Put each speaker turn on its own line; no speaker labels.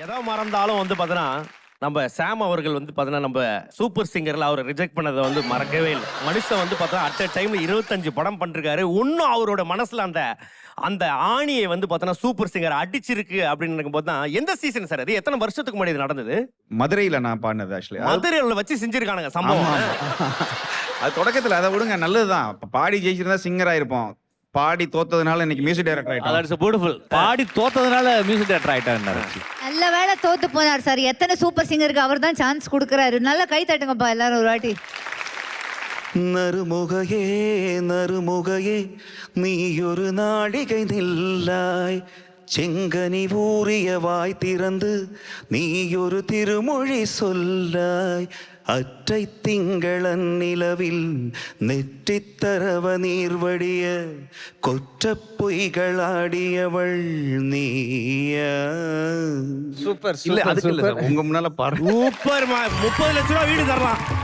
எதை மறந்தாலும் வந்து பார்த்தோன்னா நம்ம சாம் அவர்கள் வந்து பார்த்தோன்னா நம்ம சூப்பர் சிங்கர்ல அவர் ரிஜெக்ட் பண்ணதை வந்து மறக்கவே இல்லை. மனுஷன் வந்து பார்த்தோன்னா அட் அ டைம்ல 25 படம் பண்ணிருக்காரு. இன்னும் அவரோட மனசுல அந்த அந்த ஆணியை வந்து பார்த்தோன்னா சூப்பர் சிங்கர் அடிச்சிருக்கு அப்படின்னு நினைக்கும்போது தான் எந்த சீசன் சார் அது? எத்தனை வருஷத்துக்கு முன்னாடி இது நடந்தது?
மதுரையில நான் பாடினது ஆக்சுவலி.
மதுரையில வச்சு செஞ்சிருக்கானுங்க சம்பவம்.
அது தொடக்கத்துல அதை விடுங்க, நல்லதுதான். பாடி ஜெயிச்சிருந்தா சிங்கர் ஆயிருப்போம். பாடி தோத்ததுனால இன்னைக்கு மியூசிக் டைரக்டர் ஆயிட்டான்.
That's beautiful. பாடி தோத்ததுனால மியூசிக் டைரக்டர் ஆயிட்டாரு.
நல்ல வேளை தோத்து போனார் சார். எத்தனை சூப்பர் சிங்கருக்கு அவர் தான் சான்ஸ் கொடுக்கறாரு. நல்லா கை தட்டுங்கப்பா எல்லாரும் ஒரு வாட்டி.
நறுமுகையே நறுமுகையே நீ ஒரு நாடிகை நில்லாய், செங்கனி ஊறிய வாய் திறந்து நீ ஒரு திருமொழி சொல்லாய், அற்றை திங்களன் நிலவில் நெற்றித்தரவ நீர்வடிய கொற்ற பொய்களாடியவள் நீயா.
சூப்பர்
இல்ல
சூப்பர்
அதுக்கு இல்ல
சூப்பர்.
சார், உங்க முன்னால பாடு.
சூப்பர் 30 லட்சம் ரூபாய் வீடு தரலாம்.